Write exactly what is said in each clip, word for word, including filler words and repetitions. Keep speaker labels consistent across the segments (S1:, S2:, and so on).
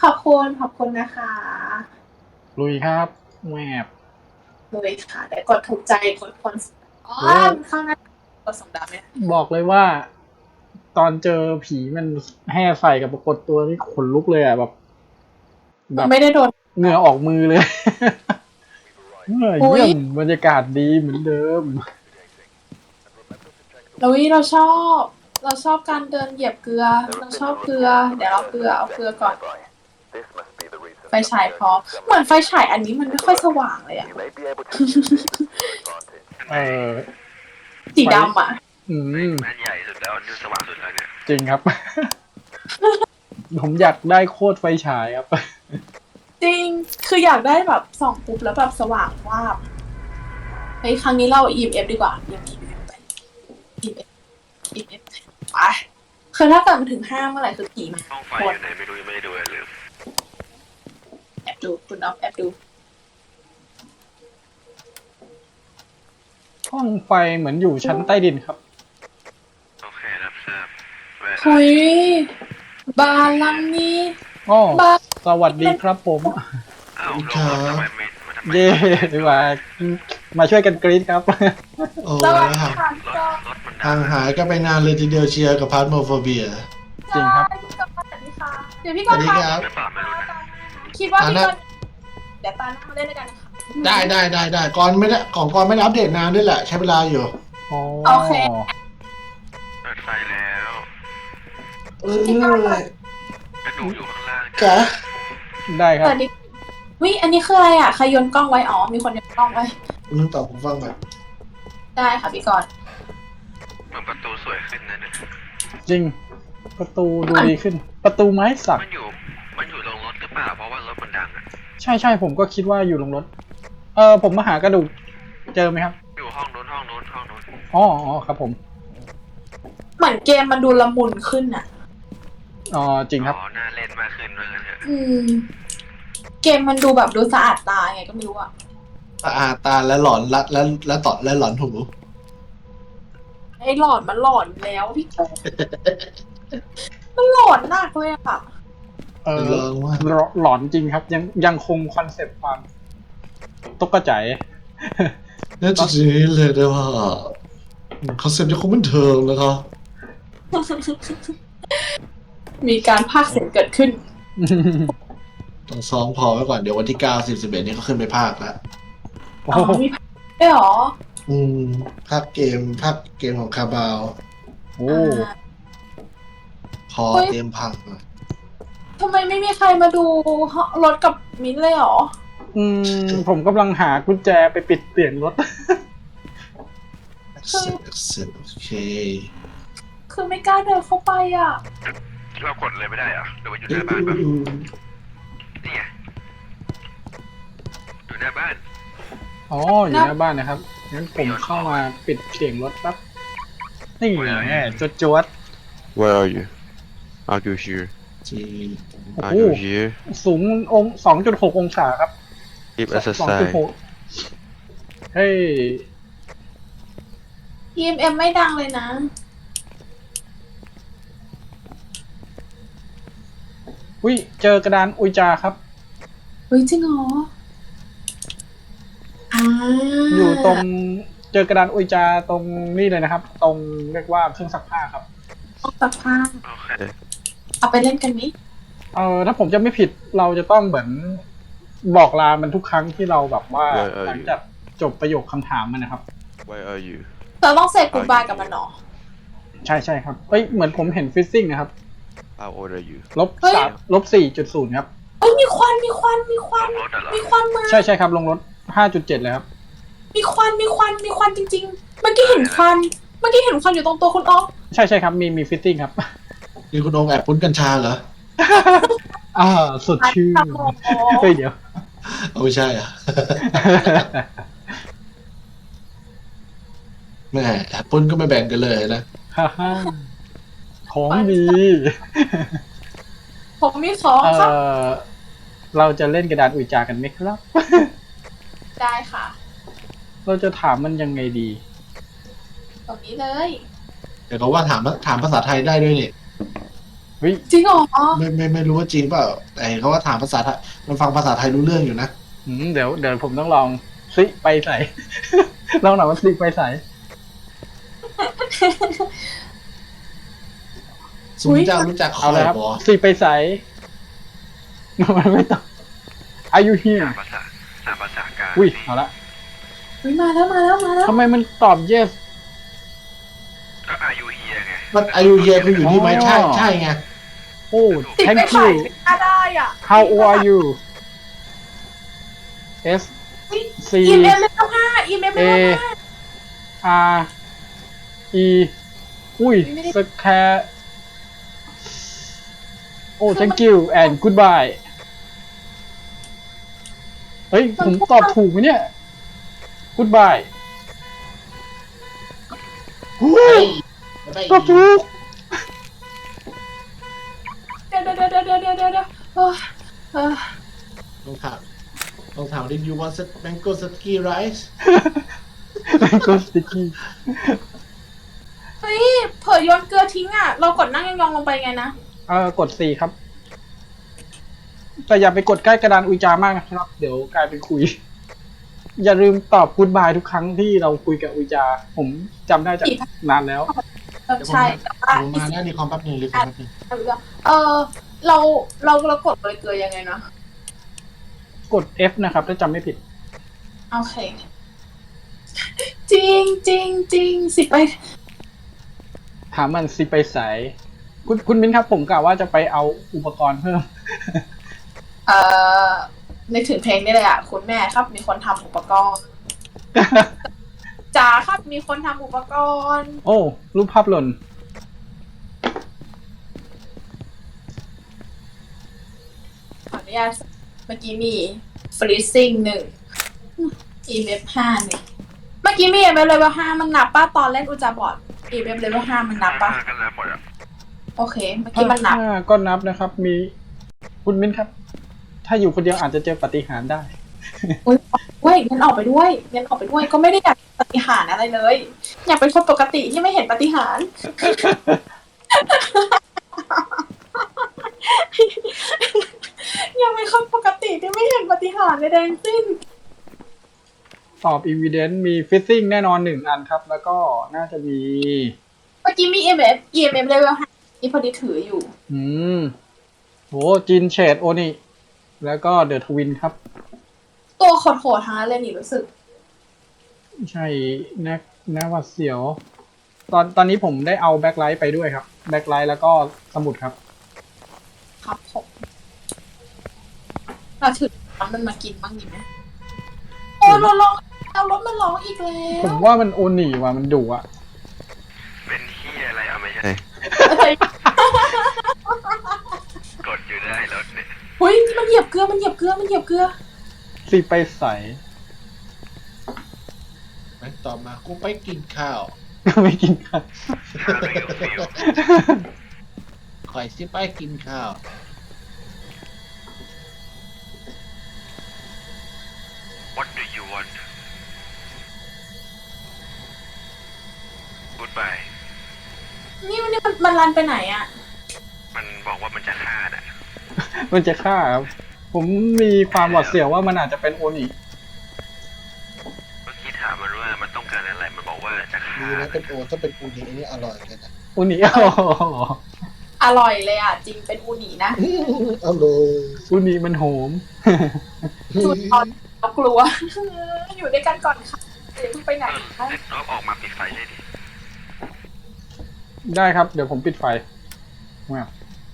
S1: อบคุณขอบคุณนะคะ
S2: ลุยครับแหวบ
S1: เลยค่ะแต่กดถูกใจกดคนอ๋อข้างหน้ากดสองดาวเนี่ย
S2: บอกเลยว่า ตอนเจอผีมันแห่ใส่กับปรากฏตัวนี่ขนลุกเลยอ่ะแบบแบบ
S1: ไม่ได้โดน
S2: เหงื่อออกมือเลยเมื่อเยี่ยมบรรยากาศดีเหมือนเดิม
S1: เราวิเราชอบ เราชอบการเดินเหยียบเกลือเราชอบเกลือเดี๋ยวเอาเกลือเอาเกลือก่อนไฟฉายพอเหมือนไฟฉายอันนี้มันไม่ค่อยสว่างเลยอะ
S2: เออ
S1: สีดำอะ
S2: อืม
S3: อันใหญ่สุดแล้วอันนี้สว่างสุดแล้วเนี่ย
S2: จริงครับ ผมอยากได้โคตรไฟฉายครับ
S1: จริงคืออยากได้แบบส่องปุ๊บแล้วแบบสว่างวาบเฮ้ยครั้งนี้เรา อี เอ็ม เอฟ ดีกว่า อี เอ็ม เอฟ ไป อี เอ็ม เอฟ อี เอ็ม เอฟ ไปคือถ้าเกิดมันถึงห้าเมื่อไหร่คือผีมา
S3: ห้องไฟอยู่ไหนไม่รู้ยังไม่ได้ดูเลยลืม
S1: แอบดูคุณน้องแอบดู
S2: ห้องไฟเหมือนอยู่ชั้นใต้ดินครับ
S3: โอเครับทราบ
S1: หุยบานลังนี้
S2: อ๋อ
S1: บาน
S2: สวัสดีครับผม
S3: อ้าวลงรถทำไมไม่มาทำไม
S2: เย่มามาช่วยกันกรี๊ดครับ
S4: โอ้
S1: สวัส
S4: แล้ว
S1: ดี
S4: ห่าง
S1: ค่ะ
S3: รถรถมันดั
S4: ห่างงหายก็ไปนานเลยทีเดียวเชียร์กับพาร์ทโมโฟเบีย
S2: จริงครับ
S1: พี่กรณ์สวัสดีค่ะเดี๋ยวพี่ก
S4: สวั
S1: ร
S4: ส
S1: ณ์
S4: ดี
S1: คะ
S4: ครับ
S3: หรือเปล่าไม่รู้นะ
S1: คิดว่าพี่กรณ์เดี๋ยวตาหน้ามาเล่นด้วยกันค่ะ
S4: ได้ได้ได้ได้ก่อนไม่ได้ของก่อนไม่ได้อัปเดตนานด้วยแหละ ใช้เวลาอยู่
S2: อ๋อ
S1: โอเค
S3: เปิดไฟแล้ว
S4: เออ
S3: กระดูกอยู่ข้างล่าง
S4: แกะ
S2: ได้ครับ
S1: สวัสดีวิอันนี้คืออะไรอ่ะใครโยนกล้องไว้อ๋อมีคนโยนกล้องไว้
S4: นึกตอบผมฟังก่อน
S1: ได้ค่ะพี่กรณ์
S3: เหมือนประตูสวยขึ้นนะเนี่ย
S2: จริง ประตูดูดีขึ้น ประตูไม้สัก
S3: มันอยู่มันอยู่ลงรถหรือเปล่าเพราะว่ารถมันดังอ่ะ
S2: ใช่ใช่ผมก็คิดว่าอยู่ลงรถ เออผมมาหากระดูก เจอไหมครับ
S3: อยู่ห้องนู้นห้องนู้นห้องนู้น
S2: อ๋ออ๋อครับผม
S1: เหมือนเกมมันดูละมุนขึ้นอ่ะ
S2: อ๋อจริงครับ
S3: อ๋อน่าเล่นมากขึ้นว่างั้นเถอะ
S1: อืม เกมมันดูแบบดูสะอาดตาไงก็ไม่รู้อ่ะ
S4: ตาอาตาและหลอนและและและตอดและหลอนหู
S1: ไอ้หลอนมันหลอนแล้วพี่กรณ์มันหลอนมากเลยอ่ะ
S2: เออ
S4: ลองว่า
S2: หลหลอนจริงครับ ยังยังคงคอนเซปต์ความตกกระจาย
S4: น่าจะจริงเลยนะว่าคอนเซ็ปต์ยังคงเหมือนเดิมนะครับ
S1: มีการพากย์เสียงเกิดขึ้น
S4: ต้องซ้อมพอไว้ก่อนเดี๋ยววันที่เก้าสิบสิบเอ็ดนี้เขาขึ้นไปภาคแล้ว
S2: โอ้
S1: อ๋อ
S2: โห
S1: มีพากย์ด้วยเหรอ
S4: อืมภาคเกมภาคเกมของคาบาว
S2: โอ้
S1: อ่า
S4: คอเตรียมพังอะ
S1: ทำไมไม่มีใครมาดูรถกับมิ้นท์เลยเหรอ
S2: อืมผมกำลังหากุญแจไปปิดเปลี่ยนรถ
S4: เสร็จเสร็จโอเค
S1: คือไม่กล้าเดินเข้าไปอ่ะ
S3: เรากดเลยไม่ได้เหรอหรือว่าอยู่หน้าบ้านปะนี่ไงอยู่หน้าบ้าน
S2: อ๋ออยู่หน้าบ้านนะครับ งั้นผมเข้ามาปิดเสียงรถแป๊บ นี่แน่จวดจวด
S5: Where are you? Are you here?
S4: จี
S5: Are
S2: Oh.
S5: you here?
S2: สูงองสองจุดหกองศาครับ
S5: Give us a
S2: สองจุด
S5: sign.
S2: หกเฮ้ย
S1: อี เอ็ม เอ็ม ไม่ดังเลยนะ
S2: อุ้ยเจอกระดานอุยจาครับ
S1: เฮ้ยจริงเหรออ่า
S2: อยู่ตรงเจอกระดานอุยจาตรงนี่เลยนะครับ ตรงเรียกว่าเครื่องซักผ้าครับ
S1: ต้องตัดผ้า
S3: โอเค
S1: เอาไปเล่นกันนี้
S2: เออถ้าผมจะไม่ผิดเราจะต้องเหมือนบอกลามันทุกครั้งที่เราแบบว่า
S5: Where are you?
S2: หลังจากจบประโยคคำถามมันนะครับ
S5: Where are you?
S1: เราต้องเซตกูบายกับมันเหรอ
S2: ใช่ใช่ครับเอ้ยเหมือนผมเห็นฟิซซิ่งนะครับ
S5: How old are you?
S2: ลบ
S1: เฮ้ย
S2: สามลบสี่จุดศูนย์ครับ
S1: เอ้ยมีควันมีควันมีควัน
S3: รถอะเหรอ
S1: มีควันมา
S2: ใช่ใช่ครับลงรถห้าจุดเจ็ดเลยครับ
S1: มีควันมีควันมีควันจริงๆ เมื่อกี้เห็นควัน เมื่อกี้เห็นควันอยู่ตรงตัวคุณอ๊อฟ
S2: ใช่ใช่ครับมีมีฟิซซิ่งครับ
S4: นี่คุณองค์แอบปุ้นกัญชาเหรอ
S2: อ่าสดชื่น
S1: ครับผม
S2: เฮ้ยเดี๋ยว
S4: เอาไม่ใช่อ่ะ แม่แอบปุ้นก็ไม่แบ่งกันเลยนะ
S2: ฮ่าฮ่าของดี
S1: ผมมีของ
S2: เอ
S1: ครับ
S2: อเราจะเล่นกระดานอุยจากันไหมครับ
S1: ได้ค่ะ
S2: เราจะถามมันยังไงดี
S1: ตรงนี้เลย
S4: เดี๋ยวเขาว่าถามถามภาษาไทยได้ด้วยนี่
S2: เฮ้ย
S1: จริงเหรอ
S4: ไม่ไม่ไม่รู้ว่าจริงเปล่าแต่เห็นเขาว่าถามภาษาไทยมันฟังภาษาไทยรู้เรื่องอยู่นะ
S2: อืมเดี๋ยวเดี๋ยวผมต้องลองซิไปใส่ ลองหน่อยว่าซิไปใส่
S4: สมมติเจ้ารู้จักค
S2: เอา
S4: อย
S2: เลยครับ
S4: บอ
S2: ซิไปใส่ มันไม่ต้อง Are you
S3: สา
S2: here
S3: มภาษาสามภาษากลาง
S2: อุ้ยเอาละ
S1: เฮ้ยมาแล้วมาแล้วมาแล้ว
S2: ทำไมมันตอบ yes
S3: ก็อายุเฮียไง
S4: มันอายุเยคืออยู่นี่ไหม
S2: อ๋อ
S4: ใช่ใช่ไง
S2: โอ้
S1: ติด
S2: thank
S1: ไปใส่
S2: you
S1: ไม่น่าได้อ่ะ
S2: how old are you S
S1: อี
S2: C
S1: เมลเลเวลห้าอีเมลเล
S2: A
S1: เวลห้า
S2: R E อุ้ย
S1: ไม่ได้
S2: สแคร์โอ้ thank you and goodbye เฮ้ย ผมตอบถูกไหมเนี่ย goodbye
S4: เฮ้ย
S2: ตอบถูก
S1: เดี๋ยวเดี๋ยวเดี๋ยวเดี๋ยวเดี๋ยวเดี๋ยวเดี๋ยวเออเออ
S4: ต้องถามต้องถาม did you want mango sticky rice
S2: มันก็สติกกี้
S1: เฮ้ยเผยโยนเกลือทิ้งอ่ะ เรากดนั่งยองๆลงไปไงนะ
S2: เออกด C ครับ แต่อย่าไปกดใกล้กระดานอุยจามากนะครับ เดี๋ยวกลายเป็นคุย อย่าลืมตอบ goodbye ทุกครั้งที่เราคุยกับอุยจา ผมจำได้จากนานแล้ว
S1: เออใช่แต่ว่า
S4: ผมมาหน้าดีคอมแป๊บหนึงรีคอมแป๊บหนึง
S1: เออเราเราเรากดโรยเกลือยังไงนะ
S2: กด F นะครับ ถ้าจำไม่ผิด
S1: โอเค จริงจริงจริงสิไป
S2: ถามมันสิไปใสคุณคุณมิ้นครับ ผมกะว่าจะไปเอาอุปกรณ์เพิ่ม
S1: เอ่อนึกถึงเพลงนี่เลยอ่ะ คุณแม่ครับ มีคนทำอุปกรณ์จ๋าครับมีคนทำอุปกรณ์
S2: โอ้ รูปภาพหล่น
S1: ขออนุญาตเมื่อกี้มี freezing หนึ่ง อี เอฟ ห้าหนึ่งเมื่อกี้มี อี เอฟ level ห้ามันนับป่ะตอนเล่นอุจาบอด อี เอฟ level ห้ามันนับป่ะ
S3: กันแล้วหมดอ่ะ
S1: โอเค เมื่อกี้มันนับ
S2: อ่าก็นับนะครับ มีคุณมิ้นครับ ถ้าอยู่คนเดียวอาจจะเจอปาฏิหาริย์ได้
S1: อุ้ยเว้ยงั้นออกไปด้วยงั้นออกไปด้วยก็ไม่ได้อยากปาฏิหาริย์อะไรเลย อยากเป็นคนปกติที่ไม่เห็นปาฏิหาริย์ อยากเป็นคนปกติที่ไม่เห็นปาฏิหาริย์ใดๆทั้งสิ้น
S2: ตอบ evidence มี fishing แน่นอนหนึ่งอันครับ แล้วก็น่าจะมี
S1: เมื่อกี้มี อี เอ็ม เอฟ อี เอ็ม เอฟ level ห้านี่พอดีถืออยู่
S2: อืมโหจินเชดโอนี่ แล้วก็เดอะทวินครับ
S1: ตัวโหดๆทั้งนั้นเลยนี่รู้สึก
S2: ใช่นักน่าหวัดเสียว ตอนตอนนี้ผมได้เอาแบ็คไลท์ไปด้วยครับ แบ็คไลท์แล้วก็สมุดครับ
S1: ครับผมเราถือน้ำมันมากินบ้างดีไหมโอ้เราลองเอารถมาร้องอีกแล้
S2: ผ
S1: ว
S2: มว่ามันโอหนีว่ะมันดุอ่ะ
S3: เป็นเฮียอะไรเอาไม่ใช่
S1: อะไร
S3: กดอยู่ได้รถเนี่ย
S1: เฮ้ยมันเหยียบเกลือมันเหยียบเกลือมันเหยียบเกลือ
S2: สิไปใส
S4: ไหนต่อมากูไปกินข้าว
S2: ไม่กินข้าว
S3: ถ้าไม่อยู่ฟิล
S4: คอยสิไปกินข้าว
S3: What do you want Goodbye
S1: นี่มันนี่มันมันรันไปไหนอ่ะ
S3: มันบอกว่ามันจะฆ่าน่ะ
S2: มันจะฆ่าครับ ผมมีความหวาดเสียวว่ามันอาจจะเป็นโอหนี
S3: เมื่อกี้ถามมันว่ามันต้องการอะไร มันบอกว่าจะฆ่า
S4: ดีนะเป็นโอถ้าเป็นอูนีนี่อร่อยเลยนะ
S2: โอหนี อ๋อ
S1: อร่อยเลยอ่ะ จริงเป็นอูนินะ
S4: อร่อย
S2: โอหนีมันโหม
S1: จุดตอนเรากลัว อยู่ด้วยกันก่อนค่ะเดี๋ยวเพิ่งไปไหน
S3: เออเด็กน้องออกมาปิดไฟได้ดิ
S2: ได้ครับ เดี๋ยวผมปิดไฟแมว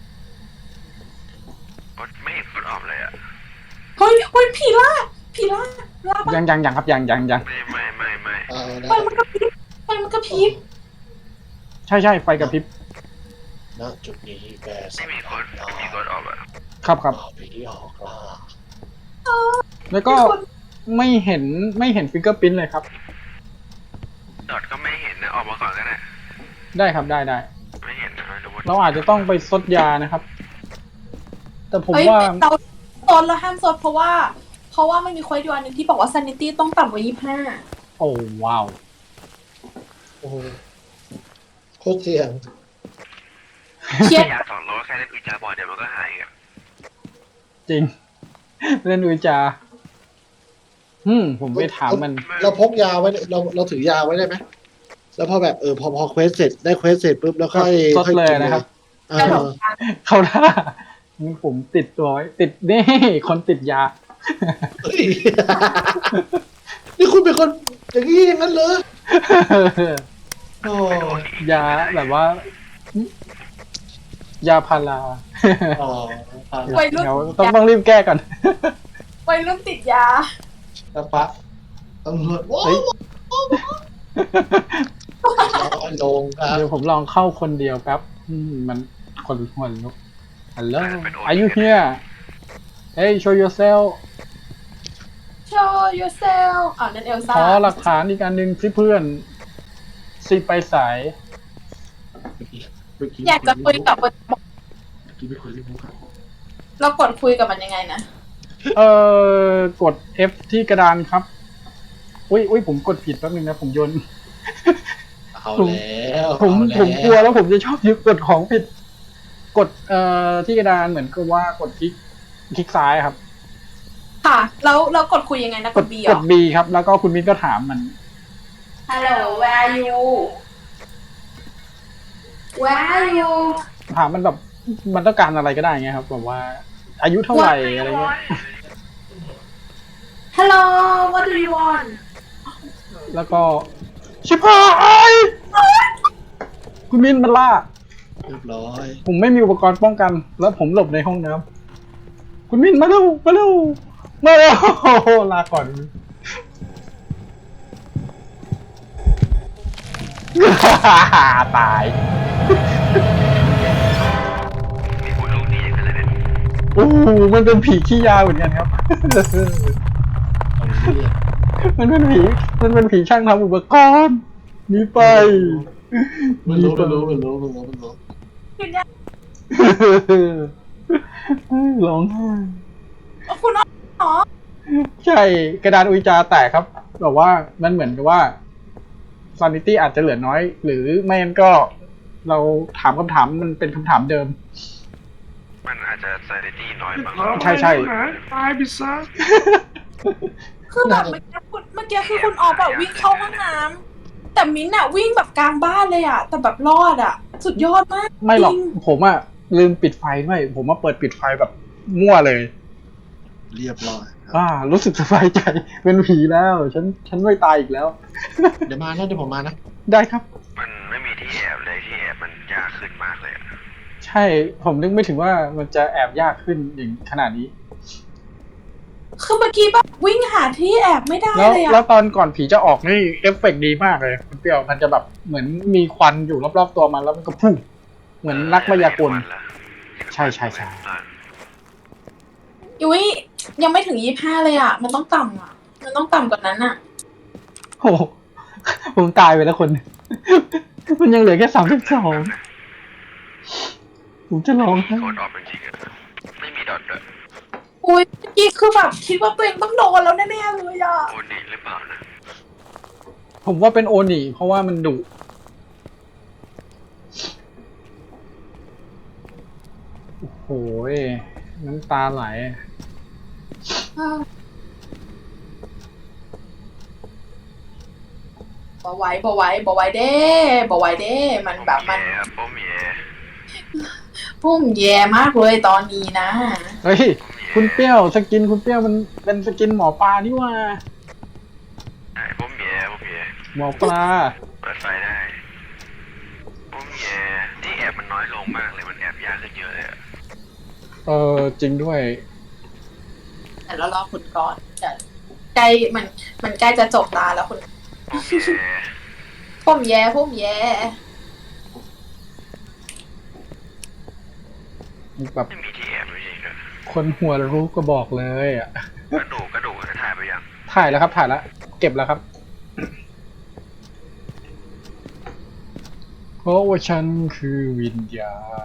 S3: กดไม่เห็นกดออกเลยอ่ะ
S1: เฮ้ยเฮ้ยผีล่าผีล่าล่าปะ
S2: ยังยังยังครับยังยังยัง
S3: ไม่ไม่ไม่ไม่
S4: เอานะ
S1: ไฟมันกระพริบไฟมันกระพริบ
S2: ใช่ใช่ไฟกระพริบ
S4: ณจุดนี้แบร์
S3: ไม่มีกดไม่มีกดออกอ่ะ
S2: ครับครับ
S4: ผีออกล่า
S2: แล้วก็ไม่เห็นไม่เห็นฟิกเกอร์พิ้นเลยครับ
S3: ดอทก็ไม่เห็นนะออกมาก่อนก็ได้
S2: ได้ครับได้ได้
S3: ไม่เห็นนะไม่รู้ว่า
S2: เราอาจจะต้องไปซดยานะครับ แต่ผม
S1: เฮ้ย
S2: ว่า
S1: เราโซนเราห้ามโซนเพราะว่า เพราะว่ามันมีควสอยู่อันหนึงที่บอกว่า sanity ต้องต่ำกว่ายี่สิบห้า
S2: โอ้ว้าว
S4: โอ้โหโคตรเสี่ยง
S1: เครียด
S3: อยากสอนเราแค่เล่นอุจจาบอลเดี๋ยวมันก็หายอ่ะ
S2: จริง เล่นอุจาอืมผมไปถามมัน
S4: เราพกยาไว้เราเราถือยาไว้ได้ไหมแล้วพอแบบเออพอพอเควสเสร็จได้เควสเสร็จปุ๊บแล้วค่อย
S2: ซด
S4: ค่อย
S2: เลย
S4: กิน
S2: นะครับ
S4: เออ
S1: กระโดดกัน
S2: เขาท่านี่ผมติดตัวไว้ติดนี่คนติดยา
S4: เฮ้ยนี่คุณเป็นคนอย่างนี้อย่างนั้นเลยโอ้
S2: ยาแบบว่า ยาพารา
S4: อ๋อ
S1: วัยรุ่น
S2: เดี๋ยวต้องต้องรีบแก้ก่อน
S1: วัยรุ่นติดยา
S4: แล้วปะตำรวจว้า
S2: เฮ้ย
S4: วลงครับ
S2: เดี๋ยวผมลองเข้าคนเดียวแป๊บอืมมันคนหัวลุก Hello Are you here Hey show yourself
S1: show yourself อ่านั่นเอลซ่า
S2: ขอหลักฐานอีกอันหนึ่งที่เพื่อนสิไปสาย
S1: อยากจะคุยกับมัน
S4: กินไม่คุยเรื่องมุกครับ
S1: เรากดคุยกับมันยังไงนะ
S2: เอ่อกด F ที่กระดานครับ อุ้ยอุ้ยผมกดผิดแป๊บนึงนะ ผมโยน
S4: เอาแล้ว
S2: ผม
S4: เอาแ
S2: ผมกลัวแล้วผมจะชอบยึดกดของผิด กดเอ่อที่กระดานเหมือนกับว่ากดคลิกคลิกซ้ายครับ
S1: ค่ะ แล้วเรากดคุยยังไงนะ
S2: ก
S1: ก
S2: ด
S1: ด B
S2: ก
S1: เหร
S2: ด
S1: อ
S2: B ครับ แล้วก็คุณมิ้นก็ถามมัน
S1: Hello where are you where are you
S2: ถามมันแบบมันต้องการอะไรก็ได้ไงครับแบบว่า อายุเท่าไหร่อะไรเงี้ย
S1: Hello what do you want
S2: แล้วก็ชิบหายคุณมิ้นมันล่า
S4: เรียบร้อย
S2: ผมไม่มีอุปกรณ์ป้องกัน แล้วผมหลบในห้องน้ำคุณมิ้นมาเร็วมาเร็วมาเร็วลาก่อน ตาย
S3: มีผู้ลูกดีอย่างนั้นเลยเนี่ย
S2: โอ้โหมันเป็นผีขี้ยาเหมือนกันครับ
S4: เอาเรื่อง
S2: มันเป็นผี มันเป็นผีช่างทำอุปกรณ์หนีไป
S4: มันรู้มันรู้มันรู้มันรู้มันรู้
S1: คุณยาย
S2: ร้องไห้
S1: คุณอ๋อ
S2: ใช่กระดานอุจจาแตกครับแบบว่ามันเหมือนกับว่าซานิตี้อาจจะเหลือน้อย หรือไม่งั้นก็เราถามคำถามมันเป็นคำถามเดิม
S3: มันอาจจะซานิตี้น้อยบ้าง
S2: ใช่ใช่
S4: ตายไปซะ
S1: คือแบบเมื่อกี้คุณเมื่อกี้คือคุณออกแบบวิ่งเข้าห้องน้ำแต่มิ้นท์อะวิ่งแบบกลางบ้านเลยอะแต่แบบรอดอะสุดยอดมาก
S2: ไม่หรอก
S1: จง
S2: ผมอะลืมปิดไฟด้วยผมมาเปิดปิดไฟแบบมั่วเลย
S4: เรียบร้อยครับ
S2: อ่า รู้สึกสบายใจ เป็นผีแล้ว ฉันฉันไม่ตายอีกแล้ว
S4: เดี๋ยวมานะเดี๋ยวผมมานะ
S2: ได้ครับ
S3: มันไม่มีที่แอบเลยที่แอบมันยากขึ้นมากเลยอะ
S2: ใช่ ผมนึกไม่ถึงว่ามันจะแอบยากขึ้นอย่างขนาดนี้
S1: คือเมื่อกี้แบบวิ่งหาที่แอบไม่ได้
S2: แล้ว
S1: เลย
S2: แล้
S1: อะ
S2: วตอนก่อนผีจะออกนี่เอฟเฟกต์ดีมากเลยคุณเปรี้ยวมันจะแบบเหมือนมีควันอยู่รอบๆตัวมันแล้วมันก็พุ่งเหมือนนักมายากล ใช่ใช่ใช่
S1: ยุ้ยยังไม่ถึงยี่ห้าเลยอะมันต้องต่ำอะมันต้องต่ำกว่านั้นอะ
S2: โอ้โหผมตายไปแล้วคน มันยังเหลือแค่สามสิบสองผมจะร้องไห้
S3: โคดออฟจริงๆอะไม่มีดอทด้วย
S1: อุ้ยเมื่อกี้คือแบบคิดว่าตัวเองต้องโดนแล้วแน่ๆเลยอะ
S3: โอดีหรือเปล่านะ
S2: ผมว่าเป็นโอนิเพราะว่ามันดุโอ้โหน้ำตาไหล
S1: บ่ไหว้บ่ไหว้บ่ไหว้เด้บ่ไหว้เด้มันแบบมัน
S3: โอ้มเย่
S1: พุ่มแย่มากเลยตอนนี้นะ
S2: เฮ้ย คุณเปรี้ยวสกินคุณเปรี้ยวมันเป็นสกินหมอปลานี่ว่า
S3: ไอ้ผมเย่ผมเย่
S2: หมอปลา
S3: เปิดไฟได้ผมเย่ที่แอบมันน้อยลงมากเลยมันแอบยากขึ้นเยอะเลยอะ
S2: เออจริงด้วย
S1: แต่เรารอคุณก่อนเดี๋ยวใกล้มันมันใกล้จะจบตาแล้วคุณ
S3: ผมเย่
S1: พุ่มแย่พุ่มแย่
S2: แบบ
S3: ไม่มีที่แอบจริงๆเลย
S2: คนหัวรู้ก็บอกเลยอ่ะ
S3: กระดูกกระดูกจะถ่ายไปยัง
S2: ถ่ายแล้วครับถ่ายแล้ว เก็บแล้วครับ เพราะว่าฉันคือวิญญาณ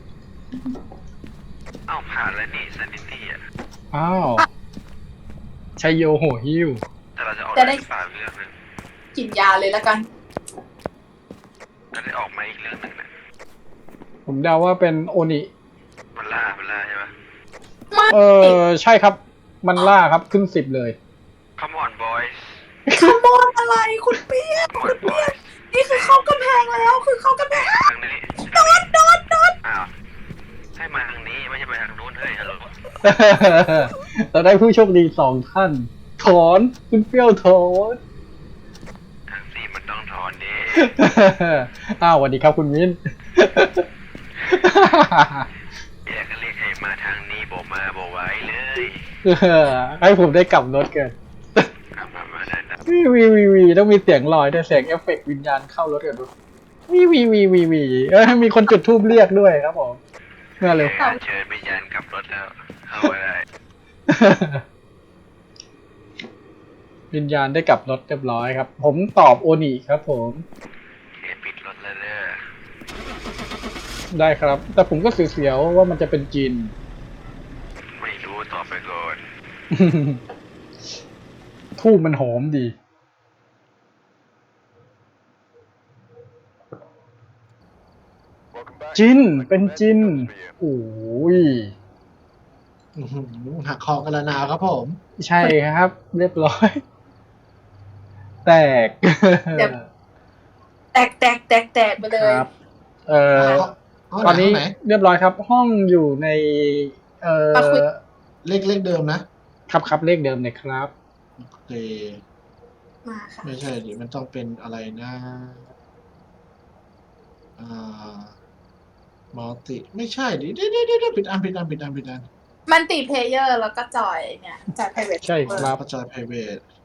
S3: เอ้าผ่านแล้วนี่ซันนิตี้อ่ะ
S2: อ้าวชัยโยโหหิว
S3: แต่เราจะออก
S1: จะได้
S3: ได้สามเรื่องหนึง
S1: กินยาเลยแล้วกัน
S3: จะได้ออกมาอีกเรื่องหนึ่งนะ
S2: โผมเดาว่าเป็นโอนิ
S3: มันล่ามันล่าใช่ปะ
S2: เออใช่ครับ มันล่าครับขึ้นสิบเลย
S3: Come on boys
S1: ขโมยอะไรคุณเปียก
S3: Come on boys
S1: นี่คือเข้ากำแพงแล้วคือเข้ากำแพง
S3: ทางนี้
S1: โดนโดนโดน
S3: อ้าวให้มาทางนี้ไม่ใช่ไปทางนู้นเฮ้ยฮัลโหล
S2: เราได้ผู้โชคดีสองท่าน ถอนคุณเปรี้ยวถอน
S3: ทางสี่มันต้องถอนดิ
S2: อ้าวสวัสดีครับคุณมิ้น
S3: อยากจะเรียกให้มาทางนี้บอกมาบอกไว้เลย
S2: ให้ผมได้กลับรถกัน
S3: กลับมามาได้นะ
S2: วีวีวีวีต้องมีเสียงลอยด้วยเสียงเอฟเฟกต์วิญญาณเข้ารถกันด้วยวีวีวีวีวีเออมีคนจุดธูปเรียกด้วยครับผมเมื่อเลย
S3: เชิญวิญญาณกลับรถแล้วเข้ามาได้
S2: วิญญาณได้กลับรถเรียบร้อยครับ ผมตอบโอนิครับผม
S3: เอยปิดรถแล้วเด้อ
S2: ได้ครับ แต่ผมก็เสียวๆว่ามันจะเป็นจีน
S3: ไม่รู้ต่อไปก่อน
S2: ทูบมันหอมดี จินเป็นจินโอ้ย
S4: อื้อหือหักคอกันละนาวครับผม
S2: ใช่ครับ เรียบร้อย แตก
S1: แตกแตกแตกแตกไปเลย
S2: ครับ เอ่อ
S4: ห้ง
S2: ตอนนี้
S4: ไหไห
S2: เรียบร้อยครับ ห้องอยู่ใน เอ่อ
S1: มาคุย
S4: เลขเลขเดิมนะ
S2: ครับครับเลขเดิมเลยครับ
S4: โอเค
S1: มาค่ะ
S4: ไม่ใช่ดิมันต้องเป็นอะไรนะอ่ามัลติไม่ใช่ดิเดี๋ยวเดี๋ยวเดี๋ยวปิดอันปิดอันปิดอันปิดอัน
S1: มันติเพลเยอร์แล้วก็จอยเนี่ยจอย private
S2: ใช่ครับ
S4: ประจอย private